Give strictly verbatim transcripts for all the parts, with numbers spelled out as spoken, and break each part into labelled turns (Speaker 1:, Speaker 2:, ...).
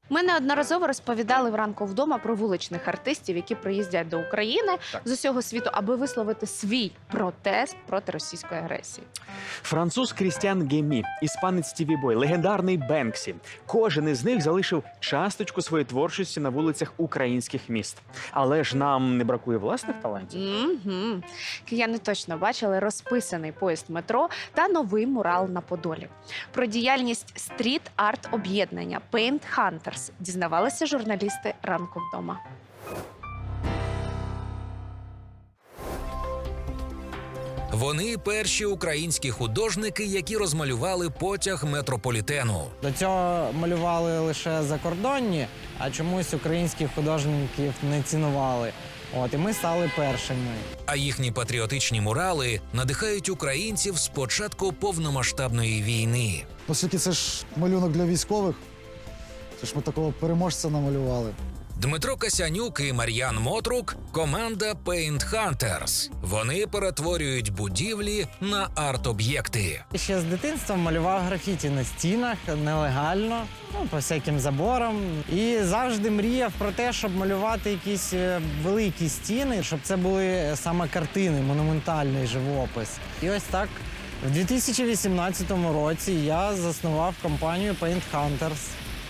Speaker 1: Ми неодноразово розповідали вранку вдома про вуличних артистів, які приїздять до України
Speaker 2: Так.
Speaker 1: з усього світу, аби висловити свій протест проти російської агресії.
Speaker 2: Француз Крістіан Гемі, іспанець Стіві Бой, легендарний Бенксі. Кожен із них залишив часточку своєї творчості на вулицях українських міст. Але ж нам не бракує власних талантів.
Speaker 1: Угу. Кияни точно бачили розписаний поїзд метро та новий мурал на Подолі. Про діяльність стріт-арт-об'єднання Paint Hunters дізнавалися журналісти «Ранку вдома».
Speaker 3: Вони перші українські художники, які розмалювали потяг метрополітену.
Speaker 4: До цього малювали лише закордонні, а чомусь українських художників не цінували. От, і ми стали першими.
Speaker 3: А їхні патріотичні мурали надихають українців з початку повномасштабної війни.
Speaker 5: Оскільки це ж малюнок для військових, це ж ми такого переможця намалювали.
Speaker 3: Дмитро Касянюк і Мар'ян Мотрук – команда Paint Hunters. Вони перетворюють будівлі на арт-об'єкти.
Speaker 4: Ще з дитинства малював графіті на стінах нелегально, ну, по всяким заборам. І завжди мріяв про те, щоб малювати якісь е, великі стіни, щоб це були саме картини, монументальний живопис. І ось так в дві тисячі вісімнадцятому році я заснував компанію Paint Hunters.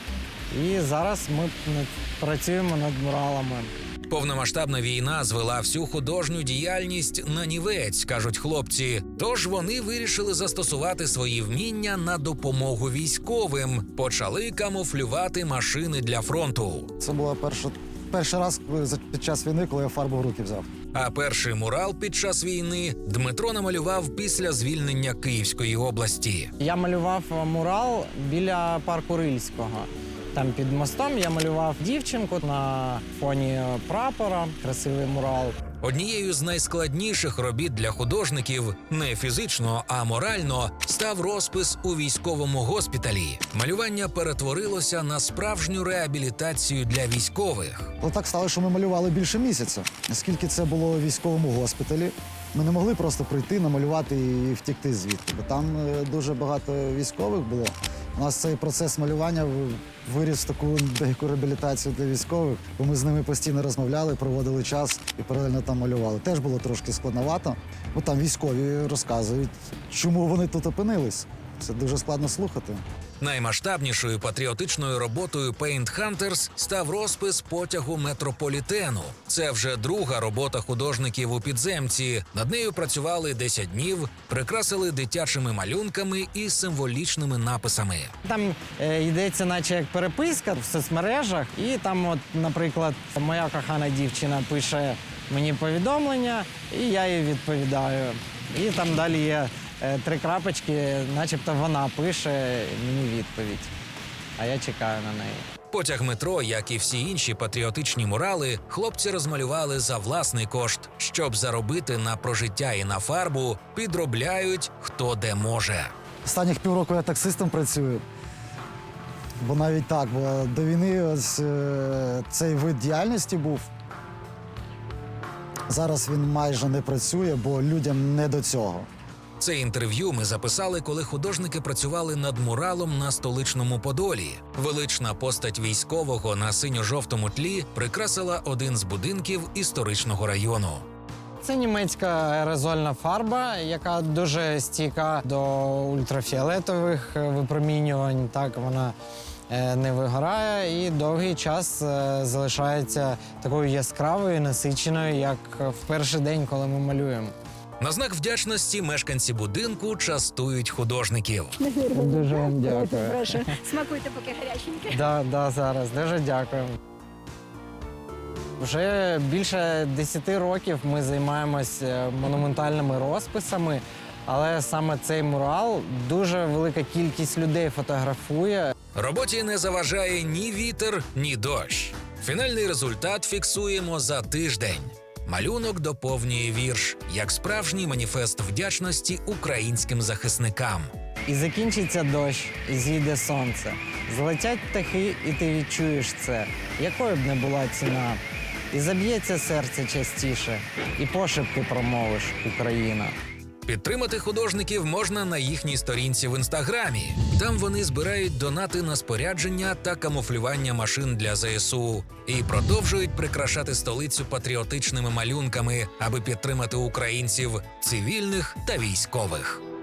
Speaker 4: І зараз ми працюємо над муралами.
Speaker 3: Повномасштабна війна звела всю художню діяльність на нівець, кажуть хлопці. Тож вони вирішили застосувати свої вміння на допомогу військовим. Почали камуфлювати машини для фронту.
Speaker 5: Це була перша, перший раз коли за- під час війни, коли я фарбу в руки взяв.
Speaker 3: А перший мурал під час війни Дмитро намалював після звільнення Київської області.
Speaker 4: Я малював мурал біля парку Рильського. Там під мостом я малював дівчинку на фоні прапора, красивий мурал.
Speaker 3: Однією з найскладніших робіт для художників не фізично, а морально став розпис у військовому госпіталі. Малювання перетворилося на справжню реабілітацію для військових.
Speaker 5: Але так стало, що ми малювали більше місяця. Оскільки це було у військовому госпіталі, ми не могли просто прийти, намалювати і втікти звідти. Бо там е, дуже багато військових було. У нас цей процес малювання в- виріс в таку деяку реабілітацію для військових, бо ми з ними постійно розмовляли, проводили час і паралельно там малювали. Теж було трошки складновато, бо там військові розказують, чому вони тут опинились. Це дуже складно слухати.
Speaker 3: Наймасштабнішою патріотичною роботою Paint Hunters став розпис потягу метрополітену. Це вже друга робота художників у підземці. Над нею працювали десять днів, прикрасили дитячими малюнками і символічними написами.
Speaker 4: Там е, йдеться наче як переписка в соцмережах. І там, от, наприклад, моя кохана дівчина пише мені повідомлення, і я їй відповідаю. І там далі є е, три крапочки, начебто вона пише мені відповідь. А я чекаю на неї.
Speaker 3: Потяг метро, як і всі інші патріотичні мурали, хлопці розмалювали за власний кошт. Щоб заробити на прожиття і на фарбу, підробляють хто де може.
Speaker 5: Останніх півроку я таксистом працюю. Бо навіть так, бо до війни ось е, цей вид діяльності був. Зараз він майже не працює, бо людям не до цього.
Speaker 3: Це інтерв'ю ми записали, коли художники працювали над муралом на столичному Подолі. Велична постать військового на синьо-жовтому тлі прикрасила один з будинків історичного району.
Speaker 4: Це німецька аерозольна фарба, яка дуже стійка до ультрафіолетових випромінювань. Так, вона е, не вигорає і довгий час е, залишається такою яскравою, насиченою, як в перший день, коли ми малюємо.
Speaker 3: На знак вдячності мешканці будинку частують художників.
Speaker 4: Дуже вам дякую.
Speaker 6: Прошу, смакуйте, поки гаряченьке.
Speaker 4: Да, да, зараз. Дуже дякую. Вже більше десяти років ми займаємось е, монументальними розписами, але саме цей мурал дуже велика кількість людей фотографує.
Speaker 3: Роботі не заважає ні вітер, ні дощ. Фінальний результат фіксуємо за тиждень. Малюнок доповнює вірш, як справжній маніфест вдячності українським захисникам.
Speaker 4: І закінчиться дощ, і зійде сонце. Злетять птахи, і ти відчуєш це, якою б не була ціна. І заб'ється серце частіше, і пошепки промовиш «Україна».
Speaker 3: Підтримати художників можна на їхній сторінці в інстаграмі. Там вони збирають донати на спорядження та камуфлювання машин для ЗСУ і продовжують прикрашати столицю патріотичними малюнками, аби підтримати українців, цивільних та військових.